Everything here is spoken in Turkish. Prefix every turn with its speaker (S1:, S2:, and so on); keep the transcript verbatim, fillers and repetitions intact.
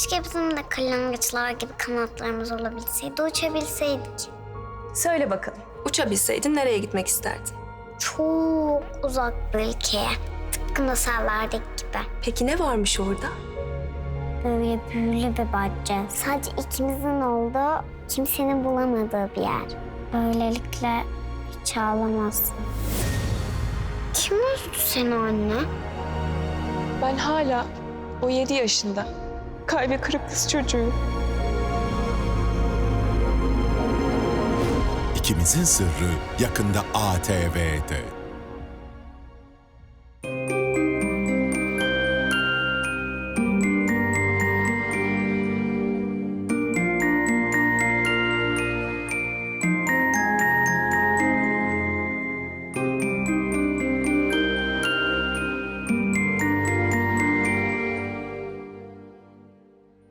S1: Keşke bizim de kırlangıçlar gibi kanatlarımız olabilseydi, uçabilseydik.
S2: Söyle bakalım, uçabilseydin nereye gitmek isterdin?
S1: Çok uzak bir ülkeye. Tıpkı masallardaki gibi.
S2: Peki ne varmış orada?
S1: Böyle büyülü bir bahçe. Sadece ikimizin olduğu, kimsenin bulamadığı bir yer. Böylelikle hiç ağlamazsın. Kim üzdü seni anne?
S3: Ben hala o yedi yaşında kalbi kırık kız çocuğu.
S4: İkimizin Sırrı yakında A T V'de.